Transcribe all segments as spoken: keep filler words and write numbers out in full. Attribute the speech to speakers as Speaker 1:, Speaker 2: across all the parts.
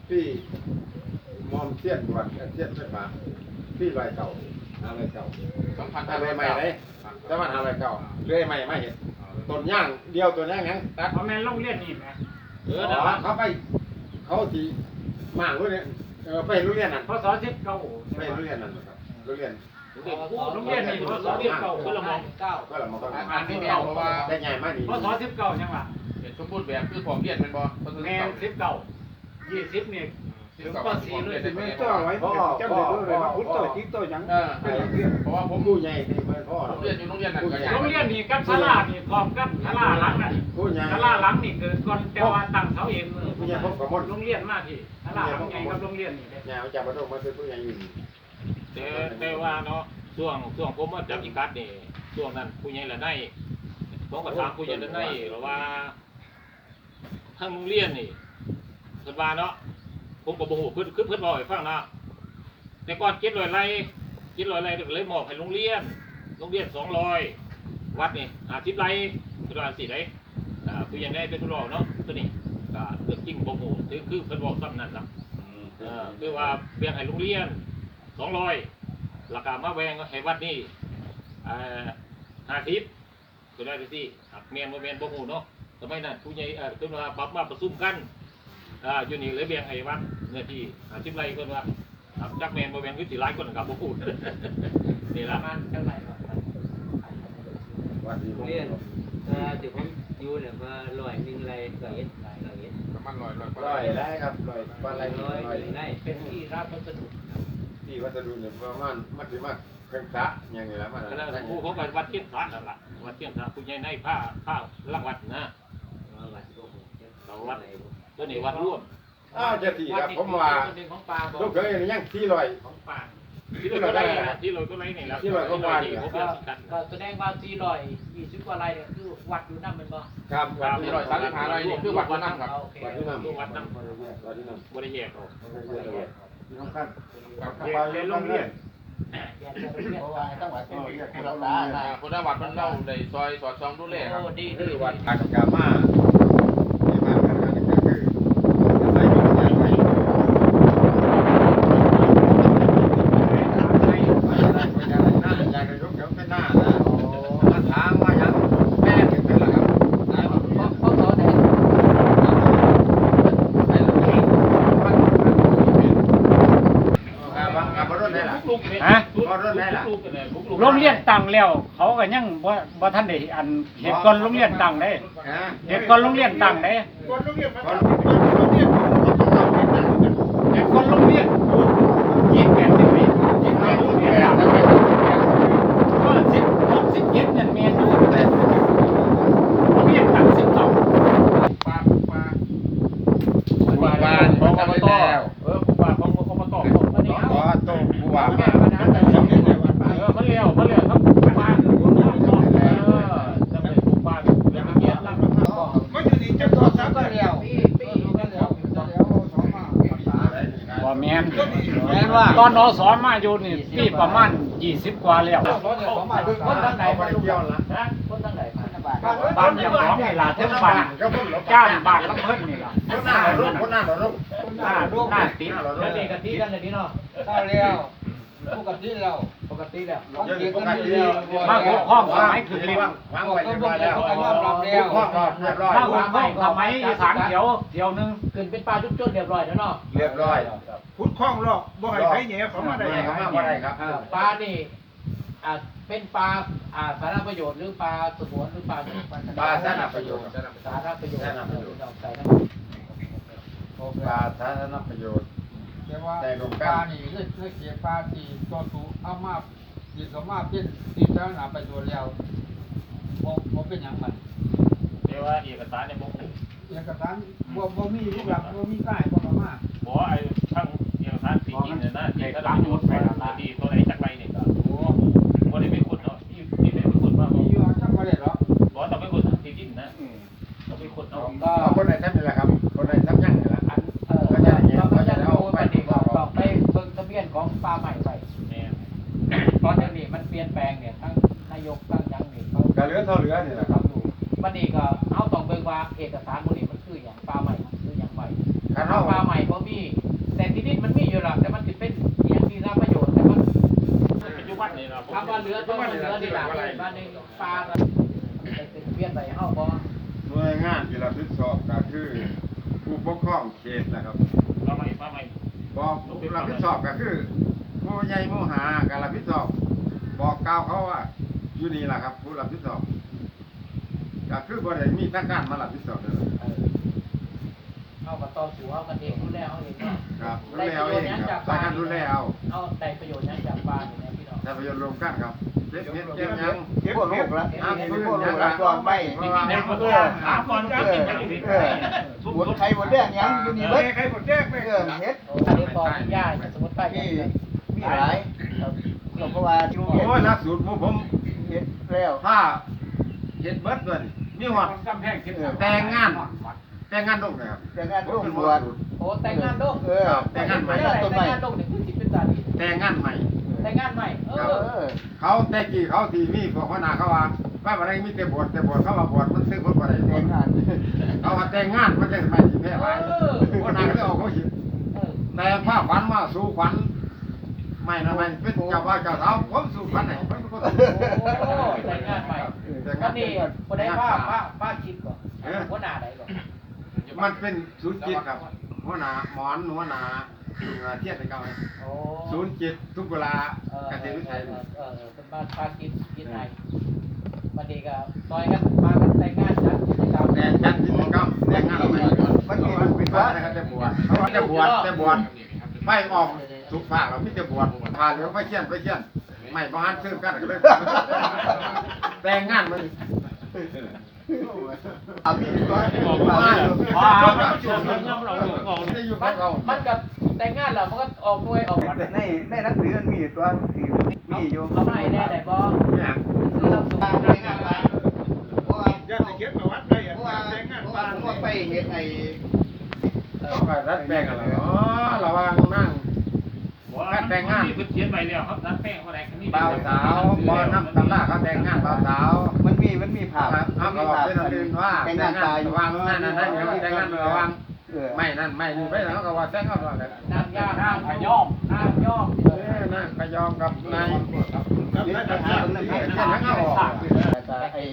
Speaker 1: ที่มอมเสี้ยนด่วนเสี้ยนไฟฟ้าที่ลอยเก่าอะไรเก่าสองพันอะไรใหม่เลยแต่มันอะไรเก่าเรื่อยใหม่ไม่เห็นต้นย่างเดียวต้นย่างยังตัด
Speaker 2: เขาแม่นโรงเรียนนี่ไหม
Speaker 1: เออเขาไปเขาที่มากรู้เนี่ยเออไปโรงเรียนนั่น
Speaker 2: พศสิบเก้า
Speaker 1: ไปโรงเรียนนั่นครับโรงเรียน
Speaker 2: โรงเรียนนี่พศสิบเก้าก็ละมองเก้า
Speaker 1: ก็เรามาต้อง
Speaker 3: อ่านที่แมวเพราะว่า
Speaker 1: ได้ใหญ่มากนี่
Speaker 2: พศสิบเก้ายังวะ
Speaker 3: เป็นสมบูรณ์แบบคือของเรียนเป็นบ่
Speaker 2: แม่สิบเก้ายี่สิบนี่ถึงปสี่เลย
Speaker 4: ไม่ต้องไว้เจ้าเด็กเลยมาพุทธโตจิ๊กโตยัง
Speaker 3: เออเพราะว่าผม
Speaker 1: ผู้ใหญ่ที่เพื่อนพ่อ
Speaker 3: เรียนอยู่โรงเรียนนั่นก็
Speaker 2: โรงเรียนนี่กับศาลานี่พร้อมกับศาลาหลังนั่น
Speaker 1: ผู้ใหญ่
Speaker 2: ศาลาหลังนี่เกิดก่อนแต่ว่าตั้งเสาเอง
Speaker 1: ผู้ใหญ่พบกับมด
Speaker 2: โรงเรียนมาที่ศาลาหลังใหญ่กับโรงเรียนนี่
Speaker 1: ใหญ่จากบ้านนอกมาเป็นผู้ใหญ่อยู่
Speaker 5: แต่แต่ว่าเนาะช่วงช่วงผมมาจับอีกัดนี่ช่วงนั้นผู้ใหญ่ละได้ผมก็ถามผู้ใหญ่ละได้หรือว่าทางโรงเรียนนี่เพิ่นว่าเนาะผมก็บ่ฮู้เพิ่นคือเพิ่นบอกให้ฟังนะแต่ก่อนเจ็ดร้อยไร่เจ็ดร้อยไร่เลยมอบให้โรงเรียนโรงเรียนสองร้อยวัดนี่ห้าสิบไร่คือว่าสิได้อ่าผู้ใหญ่ได้เป็นผู้รอเนาะตัวนี้ก็เรื่องจริงบ่ฮู้คือคือเพิ่นบอกซ้ำนั่นล่ะเออคือว่าแบ่งให้โรงเรียนสองร้อยราคามาแวงให้วัดนี่ห้าสิบก็ได้ที่หักเมียนมาเมียนบ่หูเนาะสมัยนั้นผู้ใหญ่เอ่อคือว่าปรับมาประชุมกันอ่าอยู่นี่เลยแบ่งให้วัดเนื้อที่ห้าสิบไร่เพิ่นว่าหักจักเมียนมาเมียนคือสิหลายคนกับบ่พูดนี่ล่ะ
Speaker 2: มันเท่าไหร่
Speaker 1: วัดนี้ผม
Speaker 6: เรียนเอ่อที่ผมอยู่เนี่ยว่าร้อยหนึ่งไรร้อยเอ็ดร้อยเอ็ด
Speaker 3: ประมาณร้อยร้อย
Speaker 1: ร้อยได้ครับร้อยปลาไหล
Speaker 6: ร้อย
Speaker 1: ร้อย
Speaker 6: หนึ่งไร
Speaker 2: เป็นที่รับวัสดุ
Speaker 1: ที่วัสดุเนี่ยประมาณมัดสิมัดเครื่องจักรอย่างนี้แล้วมัน
Speaker 5: ก็แล้วผู้เขาก็วัดเทียนพระนั่นล่ะวัดเทียนพระผู้ใหญ่ในผ้าผ้าลังวัดนะ
Speaker 6: ว่าวัดโอ้โห
Speaker 5: เราวัดตัวนี้วัดร่วม
Speaker 1: อ้าวจะที่ครับผมว่า
Speaker 2: ของปลาบอ
Speaker 1: ลูกเคยยังที่ลอย
Speaker 2: ของปลา
Speaker 5: ที่เราก็ไล่ที่เราก็ไล่นี่ล่ะที่เราก็ว่าที่ผมเรียกกัน
Speaker 2: ก็แสดงว่าสี่ร้อยยี่สิบกว่าไร่เนี่ยคือวัดอยู่นั่นเป็นบ่
Speaker 1: ครับ
Speaker 3: มีร้อยสามสิบห้าไรนี่คือวัดวันนั้นครับ
Speaker 2: โอเค
Speaker 1: วัดที่นั่น
Speaker 5: วัดน้ำ
Speaker 1: วัดที่นั่น
Speaker 5: บริแยกออก
Speaker 1: ที่น้ำขั้น
Speaker 2: เรียนโรงเรียน
Speaker 4: เพราะว่าจังหวัดเป็นเรียกเราได้
Speaker 3: คนละวัดมันเล่าในซอยสอดซองดูแลครับ
Speaker 2: โอ้ดี
Speaker 1: คือวัดอากามาที่มาทำงานก็คือใส่ยุงใส่ไฟหน้าเป็นยางกระยุกเดี๋ยวเป็นหน้านะมาถามว่ายังแม่ถึงเป็นหรอครับ
Speaker 2: พ่อสอนไหน
Speaker 5: ฮะ
Speaker 2: โรงเรียนตั้งแล้วเขาก็ยังบ่บ่ทันได้อันเหตุก่อนโรงเรียนตั้งได้เหตุก่อนโรงเรียนตั้งได้เหตุก่อนโรงเรียนยี่สิบแปดสิบปียี่สิบแปดสิบปีก็สิบหกสิบเจ็ดนั่นแม่นอยู่แต่โรงเรียนตั้งสิบเก้า
Speaker 3: ปลาปลา
Speaker 5: ผู้ว่าของอบตเออผู้ว่าของอบตอันนี้
Speaker 1: ขอโตผู้ว่ามา
Speaker 5: เออมันเลี้ยวมันเลี้ยวทั้งผู้ว่าเออจะเป็นผู้ว่าเรื่องเกียรติแล้ว
Speaker 4: ไม่อยู่ดีจะต่อสักเดียว
Speaker 2: บ่แม่นแม่นว่าตอนนสอนมาอยู่นี่ปีประมาณยี่สิบกว่าแล้ว
Speaker 1: คนทางไหนมาเที่ยวละ
Speaker 2: คนทางไหนบ้านเจ้าของนี่ล่ะถึงบ้านจ้างบ้านลำเพิ่นนี่ล่ะ
Speaker 1: คนหน้าเรารุ่งคนหน้าเรารุ่ง
Speaker 2: หน้าหน้าติด
Speaker 1: แล้วนี่กะทิกันเลย
Speaker 4: ได้แล้วปกติแล้ว
Speaker 2: ปกติแล้ว
Speaker 1: ยังปกติ
Speaker 2: มาหัวข้องสมัยคือเรียน
Speaker 1: วางไว้เรียบร้อยแล้ววางรอบเรียบร้อย
Speaker 2: มาหัวข้องสมัยอีสานเขียวเที่ยวนึงขึ้นเป็นปลาจุดๆเรียบร้อยแล้วเนาะ
Speaker 1: เรียบร้อย
Speaker 4: พุทธคล้องหรอกบ่ให้ใครแหน่เขามาได้
Speaker 1: เขามาได้ครับ
Speaker 7: ปลานี่อ่าเป็นปลาอ่าสาธารณประโยชน์หรือปลาสงวนหรือปลา
Speaker 1: ปลาสาธารณประโยชน์
Speaker 7: สาธารณประโยชน์
Speaker 1: สาธารณประโยชน์
Speaker 7: ใส่น้
Speaker 1: ปลาสาธารณประโยชน์
Speaker 4: แต่ว่าปลานี่เลือดเลือดเสียปลาที่ตัวสูเอามาดีสมาเป็นที่สาธารณประโยชน์แล้วบ่บ่เป็นหยังมัน
Speaker 5: เดี๋ยวว่าเอกสารในบ่ฮู้
Speaker 4: เอกสารบ่บ่มีรูปหลักบ่มีป้ายบ่มา
Speaker 5: บ่ไอ้ทั้งเอกสารสีจริงเนี่ยนะที่เขาได้ยศไปแล้วที่ตัวไหนจักไรนี่ก็โอ้บ่ได้เป็นคนเนาะที่ที่เป็นคนว่า
Speaker 4: มีอยู่จังบ่ได้หรอก
Speaker 5: บ่ต้องเป็นคนที่ดินนะต้องเป็นคนเอา
Speaker 7: ำก็
Speaker 1: คนไหนทำนี่แหละครับคนไหนทำยังนี่แหละ
Speaker 7: อันเออเราก็จะดูไปดีก็ต้องไปเบิ่งทะเบียนของปลาใหม่ไป
Speaker 5: แม่
Speaker 7: เพราะเดี๋ยวนี้มันเปลี่ยนแปลงเนี่ยทั้งนายกทั้งยังนี่เขา
Speaker 1: กระเหลือเท่าเหลือนี่แหละครับ
Speaker 7: บัดนี้ก็เอาต้องเบิ่งว่าเอกสารพวกนี้มันคืออย่างปลาใหม่มันคืออย่างไร
Speaker 1: คัน
Speaker 7: ถ้า
Speaker 1: เท่า
Speaker 7: ปลาใหม่ม่บ่มีแต่ที่นี่มันมีอยู่หรอกแต่มันจะเป็นอย่างที่รับประโยชน์แต่มัน
Speaker 5: ปัจจุบันนี่เรา
Speaker 7: คำว่าเหลือต้องเหลือที่หลังบ้านในปลาเป็นเปลี่ยนไปเฮาบ่
Speaker 1: หน่วยงานที่รับผิดชอบก็คือผู้ปกครองเขตนะครับ
Speaker 5: เราไม่ป้าไม่
Speaker 1: บอกรับผิดชอบก็คือผู้ใหญ่ผู้หาการรับผิดชอบบอกกล่าวเขาว่าอยู่นี่แหละครับผู้รับผิดชอบก็คือบ่ได้มีทางการมารับผิดชอบเลย
Speaker 7: เฮาก็ต่อสู้เฮากันเองดูแลเฮาเองเนาะ
Speaker 1: ครับดูแลเอาเองครับสายการดูแลเอา
Speaker 7: เอาได้ประโยชน์นั้นจากปลาเนี่ยพี่น้อง
Speaker 1: แต่ประโยชน์รวมกันครับเก็บเก็บเก็บยัง
Speaker 8: เก็บพวกลูกแล้ว
Speaker 1: น้ำ
Speaker 8: เก็บ
Speaker 1: พื้น
Speaker 8: พวกลู
Speaker 1: ยัง
Speaker 8: กแล้วก็ไม่
Speaker 1: เพราะว่า
Speaker 5: ในคนหาก่อนก็กินอย่างนี้
Speaker 8: เออหมดไข่หมดแดงยังอยู่นี่เบิด
Speaker 3: ใครหมดแจ้งไป
Speaker 8: เออเฮ็ด
Speaker 7: อันนี้ปอกย่าสมมุติไป
Speaker 8: มีมีหลายเราเพราะว่าที่โรง
Speaker 1: โอ้
Speaker 8: เรียน
Speaker 1: ยหลักสูตรหมู่ผม
Speaker 8: เฮ็ดแล้ว
Speaker 1: ถ้าเห็ดเบิดด้วยนี่มีหอด
Speaker 3: กำแพงเก็บ
Speaker 1: แต่งงานแต่งงานลูกนะครับ
Speaker 8: แต่งานร่วมบวช
Speaker 7: โอ้แต่งงานดง
Speaker 8: เออ
Speaker 1: แต่งงานใหม่
Speaker 7: แต่งงานดงนี่คือสิเป็นตาดี
Speaker 1: แต่งงานใหม่
Speaker 7: แต่งงานใหม่เอ
Speaker 8: เอ
Speaker 7: อ
Speaker 8: อ
Speaker 1: เขาแต่กี้เขาที่มีพวกหัวหน้าเขาว่าว่าอะไรมีแต่บวชแต่บวชเขาว่าบวชมันซื้อคนบ่ได้
Speaker 8: แต่งงาน
Speaker 1: เขาว่าแต่งงานมันจะไม่สิแพ้หลายหัวหน้าก็เลยออกเขาหิแต่ผ้าขวัญมาสู่ขวัญไม่นะไม่เป็นเจ้าว่าเจ้าสาวผมสู่ขวัญไหนผมก็
Speaker 7: โอ้แต่งงานใหม่
Speaker 1: แต่ง
Speaker 7: ก็
Speaker 1: งาน
Speaker 7: นี่บ่ได้ว่าป้าป้าคิดก่อนหัวหน้าใดก่อน
Speaker 1: มันเป็นศูนย์จิตครับหัวหน้าหมอนหัวหน้าเทียบไปเก่าเลย
Speaker 7: โอ้
Speaker 1: ศูนย์จิตทุกเวลา
Speaker 7: เออ
Speaker 1: เกษตรวิสัย
Speaker 7: เออเออเป็นบ้านป้าคิดคิดไงวันนี้ก็ซอยกันมากันแต่งงานจัดกิจกรรม
Speaker 1: แต่จัดกิจกรรมแต่งงานใหม่มันมีมันเป็นว่านะครับจะบวชเขาว่าจะบวชจะบวชไปออกทุกภาคเราไม่จะบวชพาเหลืองไปเชี่ยนไปเชี่ยนไม่บ้านซื้อกันก็เลยแต่งงานมัน
Speaker 8: อามีก็
Speaker 5: บอกว่าว่ามันชวนเราเราเรา
Speaker 1: จะอยู่
Speaker 7: มั
Speaker 1: กับ
Speaker 7: น
Speaker 1: เรา
Speaker 7: มันกับแต่งงานแล้วมันก็ออกด้วยออก
Speaker 8: ในในหนังสือมันมีตัวที่มีอยู่
Speaker 7: เอามาให้แน่ได้บ่
Speaker 1: เนี่ย
Speaker 7: คือรับสุภาพ
Speaker 8: แต่งงานไปเพราะว่า
Speaker 3: ญาติเก็บประวัติได้
Speaker 8: เพราะว่าเพราะว่าผมว่าไปเฮ็ดไอ้
Speaker 1: ต้องไปรัดแป้งอะไรอ๋อระวังนั่ง
Speaker 5: แต่งงานนี่เขียนไปแล้วครับนัดแป้งเขาไหนกันนี่
Speaker 1: บ่าวสาวบ่น้ำตำราเขาแต่งงานบ่าวสาว
Speaker 8: มันมีมันมีภาพ
Speaker 1: เขาก็บอกเป็นอันอื่นว่า
Speaker 8: แต่ง
Speaker 1: แต่
Speaker 8: งาง น
Speaker 1: งาน
Speaker 8: ตายอยู่
Speaker 1: ระวังนั่นนั่นนั่นอย่างนี้แต่งงานระวัง
Speaker 8: เออ
Speaker 1: ไม่นั่นไม่นี่ไปแล้วก็ว่าแต่งงานระวังกัน
Speaker 7: นางย่าห้ามขย่อมห้ามย่อม
Speaker 1: เออนั่นก็ยอมกับนาย
Speaker 8: เดี๋ยวไปหาตรงนั้น
Speaker 1: เขี
Speaker 8: ให้
Speaker 1: ยนแล้วก็ออก
Speaker 8: แล้วก็ไอ้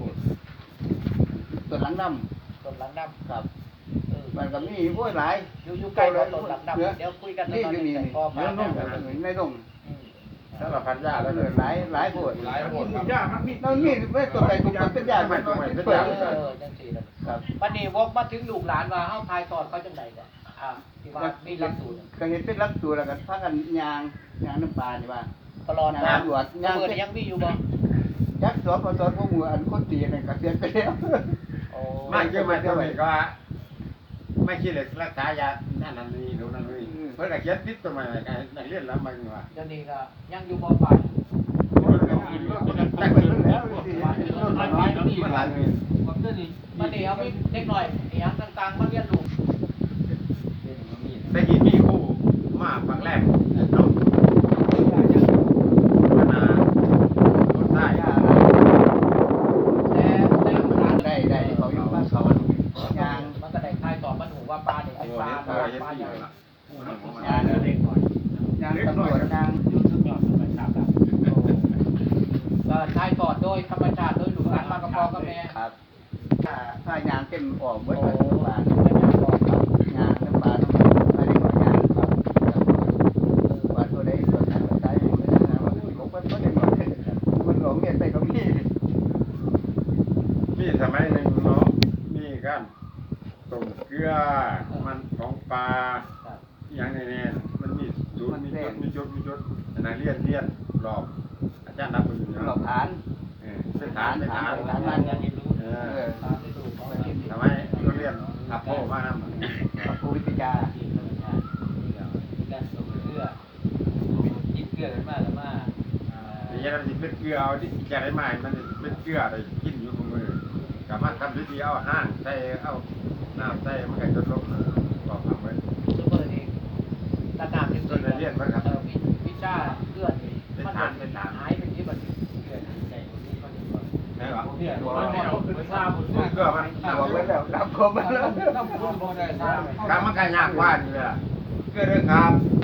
Speaker 8: ตัวหลังน้
Speaker 7: ต้นหลังดำ
Speaker 8: ำครับ
Speaker 7: เออ
Speaker 8: มันก็มีโอ้ยหลาย
Speaker 7: อยู่อยู่ใกล้กับต้นหลังดำเดี๋ยวคุยกัน
Speaker 8: นี่อยู่นี่
Speaker 7: พอมา
Speaker 8: ในดง
Speaker 1: สารพันยา
Speaker 8: แล้
Speaker 1: แล้ว ว
Speaker 8: เห
Speaker 1: เล
Speaker 8: ลือย หลายหลายโพด
Speaker 3: หลายหมดครับ
Speaker 8: แล้วนี่ไม่ตัวใดตัวเป็นยาไม่ตัวเป็นเปิด
Speaker 7: เออจังซี่นะครับ วันนี้วกมาถึงลูกหลานว่าเฮาทายสอนเขาจังไดก่อนอ่าที่ว่ามีหลักสูตร
Speaker 8: ก็เห็นเป็นรักตัวแล้วกันพากันยางยางน้ำปลานี่ว่า
Speaker 7: ตลอดนะ
Speaker 8: ยางหลวดยาง
Speaker 7: เมื่อยังมีอยู่บ่
Speaker 8: ยักษ์สอนพอสอนพวกมืออันคนตีนั่นก็เสียไปแล้ว
Speaker 7: โอ้
Speaker 1: ไม่เกี่ยวไม่เกี่ยวไม่ก็ว่าไม่คิดเลยรักษายานั่นนั่นนี่ดูนั่นนี่เพื่อนก็เขียนติดตัวใหม่กันนักเรียนแล้วมันว่า
Speaker 7: เดี๋ยวนี้ก็ยังอยู่บ่ฝ่าย
Speaker 8: แต่เปิดแล้วสิมันหลายมันหลายเลย
Speaker 7: ผมเดี๋ยวนี้วันนี้เอามีเด็กหน่อยอีหยังต่างๆมาเรียนรู้
Speaker 1: แต่กี้มีคู่มาครั้งแรกเนาะพัฒนาคนใต้
Speaker 7: แต่แต่หลาน
Speaker 8: ได้ได้เขาอยู่บ้านเขายาง
Speaker 7: มันก็ได้ทายสอนมันหูว่าปลาเนี่ย
Speaker 1: โอ้
Speaker 7: เป็น
Speaker 1: ย
Speaker 7: ปลา
Speaker 1: เห็น
Speaker 7: ป
Speaker 1: ตัว
Speaker 7: ลา
Speaker 1: เห็น
Speaker 7: อย่าง
Speaker 1: ตัวละ
Speaker 8: ยางเด็กหน่อยยางตำรวจยาง
Speaker 7: ก็ทายสอนโดยธรรมชาติโดยลูกหลานมากระพอกับแม่
Speaker 8: ครับถ้าถ้ายางเต็มออกหม
Speaker 7: โอ้
Speaker 8: ด
Speaker 7: โห
Speaker 8: เลยปลา
Speaker 7: เป็นอย่างบอกครับ
Speaker 8: ยางน้ำปลาต้องอะไรก่อนยางครับปลาตัวใดตัวนั้นตัวใดไม่ได้นะว่าผมก็ไม่ได้หมดมันหลงเงียบไปตรงนี้
Speaker 1: มีสมัยหนึ่งเนาะมีกันต้มเกลือมันของปลา
Speaker 7: ครับ
Speaker 1: อย่างนี้เนี่ยมันมีจุดมีจุดมีจุดมีจุดนักเรียนเรียนรอบอาจารย์นับไปอยู่
Speaker 8: หล
Speaker 1: เนาะ
Speaker 8: อกฐาน
Speaker 1: เออเป็นฐานเป็นฐาน
Speaker 7: หลานมันยังเรียนรู้
Speaker 1: เอ
Speaker 8: เอ
Speaker 1: อ
Speaker 8: อ
Speaker 7: ตามที่ดูของเราที่
Speaker 1: ทำไมเราเรียนอัพโพมากนะ
Speaker 8: พระครูวิทยา
Speaker 6: ที่ธรรมชาตินี่ก็มีการส่งเกลือยิบเกลือกันมากแล้วมาอ่า
Speaker 1: อย่างนี้มันเป็นเกลือเอาที่แกได้มามันเป็นเกลือได้กินอยู่กับมือสามารถทำวิธีเอาห้างใส่เอาน้ำใส่มันก็จะลงบอกทำไว้
Speaker 7: ซุปเปอร์นี่ระดับที่สุดเออวิวิชาเลื่อนมันหายเป็นที่บันทึก
Speaker 6: เกลือที่ใจคนนี้คนนี้ก่อน
Speaker 1: ไหนวะ
Speaker 7: เนี่ยหัวมันไม่ทราบ
Speaker 1: เกลือมัน
Speaker 8: บอกไว้แล้วรับคครบมาแล้ว
Speaker 4: ต้องพูดบ่ได้ทราบ
Speaker 1: การมันก็ยากกว่านี่แหละก็เรื่องครับ